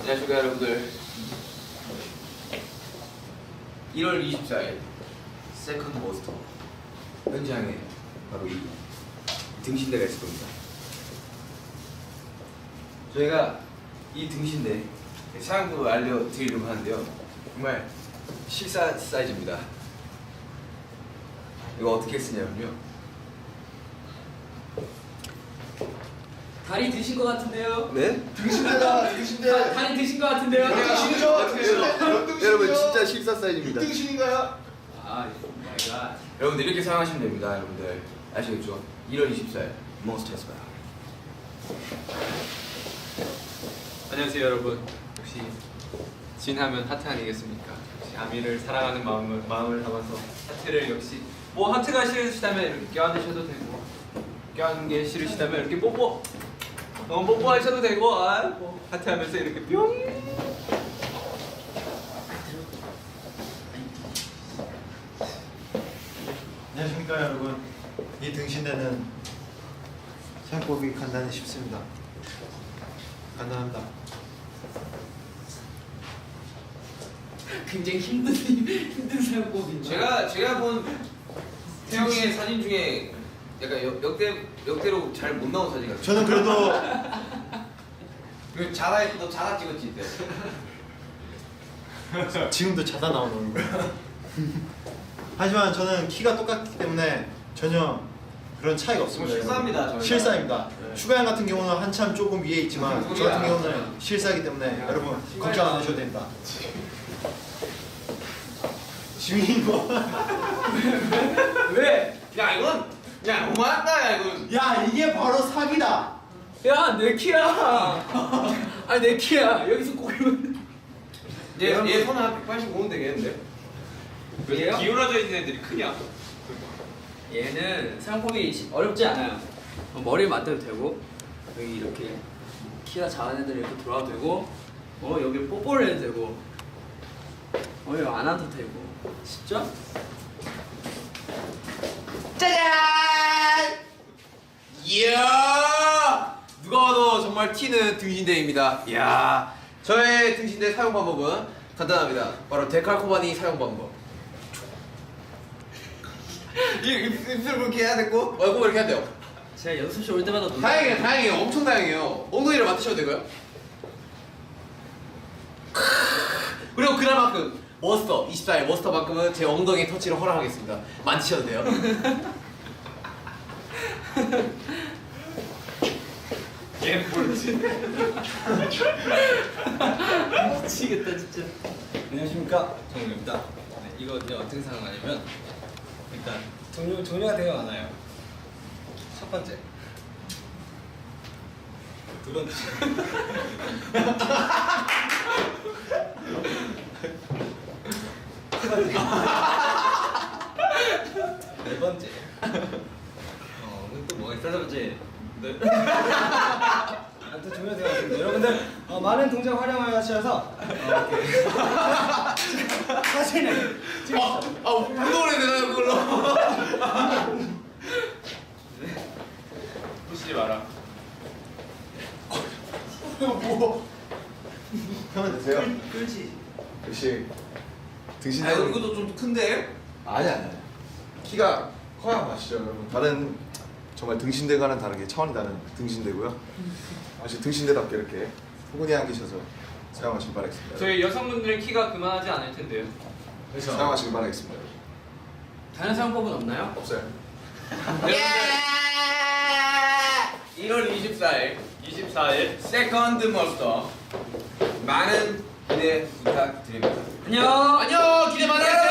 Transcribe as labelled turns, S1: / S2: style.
S1: 안녕하십니까 여러분들. 1월 24일 세컨드 모스터 현장에 바로 이 등신대가 있을 겁니다. 저희가 이 등신대 사용법을 알려드리려고 하는데요, 정말 실사 사이즈입니다. 이거 어떻게 쓰냐면요,
S2: 다리 드신 것 같은데요?
S1: 네?
S3: 등신대다, 등신대.
S2: 다리 드신 것 같은데요?
S3: 등신이죠? 등신대.
S1: 여러분 진짜 실사 사이즈입니다.
S3: 등신인가요?
S2: 아, 마이 갓.
S1: 여러분들 이렇게 사용하시면 됩니다. 여러분들 아시겠죠? 1월 24일 몬스터에서 봐요.
S4: 안녕하세요 여러분. 역시 진하면 하트 아니겠습니까? 역시 아미를 사랑하는 마음을 담아서 하트를 역시 뭐 하트가 싫으시다면 이렇게 껴안으셔도 되고, 껴안는 게 싫으시다면 이렇게 뽀뽀하셔도 되고, 뭐 하트 하면서 이렇게 뿅.
S3: 안녕하십니까 여러분. 이 등신대는 사용법이 간단히 쉽습니다. 간단합니다.
S2: 굉장히 힘든 사용법인데.
S1: 제가 본 태영이의 사진 중에 약간 역대로 잘 못 나온 사진 같아요.
S3: 저는 그래도
S1: 그 너 자가 찍었지 이때.
S3: 지금도 자다 나오는 거예요. 하지만 저는 키가 똑같기 때문에 전혀 그런 차이가 없습니다.
S1: 실사입니다, 저희가.
S3: 실사입니다.
S1: 네.
S3: 슈가양 같은 경우는 한참 조금 위에 있지만 저 같은 경우는 실사이기 때문에 여러분 걱정 안 하셔도 됩니다. 지민이 뭐?
S2: 왜?
S1: 야 이건 그냥 너무한다. 야 이건.
S3: 야 이게 바로 사기다.
S2: 야, 내 키야. 아니, 내 키야. 여기서 꼬이면.
S1: 얘 손은 한 185는 되겠는데?
S2: 얘요?
S4: 기울어져 있는 애들이 크냐?
S2: 얘는 사용법이 어렵지 않아요. 머리를 맞대도 되고, 여기 이렇게 키가 작은 애들 이렇게 돌아도 되고, 여기 뽀뽀를 해도 되고, 여기 안 와도 되고. 쉽죠?
S1: 짜잔! 이야! 누가 봐도 정말 튀는 등신대입니다. 이야! 저의 등신대 사용 방법은 간단합니다. 바로 데칼코바니 사용 방법. 입술 그렇게 해야 되고, 얼굴 이렇게 해야 돼요.
S2: 제가 연습실 올 때마다
S1: 다행이에요. 엄청 다행이에요. 엉덩이를 맡으셔도 되고요. 그리고 그날만큼 머스터 24일 머스터만큼은 제 엉덩이 터치를 허락하겠습니다. 만지셔도 돼요.
S4: 얘 모르지.
S2: 미치겠다 진짜.
S5: 안녕하십니까, 정우입니다. 네, 이거 이제 어떻게 사용하냐면 일단 종류가 되게 많아요. 첫 번째, 두 번째, 네 번째. 또 뭐가 있어? 세 번째. 네. 아무튼 종류가 되게 많습니다. 여러분들 많은 동작 활용하셔서 이렇게 사진을
S1: 운동을 해야 되나요, 그걸로?
S4: 부시지 마라.
S3: 뭐? 하면 되세요.
S2: 그렇지.
S3: 역시 등신대.
S1: 아, 이것도 좀 큰데?
S3: 아니야. 키가 커야 맛이죠, 여러분. 다른 정말 등신대와는 다르게 차원이 다른 등신대고요. 아주 등신대답게 이렇게 포근히 안기셔서 사용하시길 바라겠습니다.
S4: 저희 여성분들의 키가 그만하지 않을 텐데요.
S3: 그래서 사용하시길 바라겠습니다.
S2: 다른 사용법은 없나요?
S3: 없어요.
S1: 예! 1월 24일
S4: 24일
S1: 세컨드 머스터 많은 기대 부탁드립니다.
S2: 안녕.
S1: 안녕! 기대 많아요!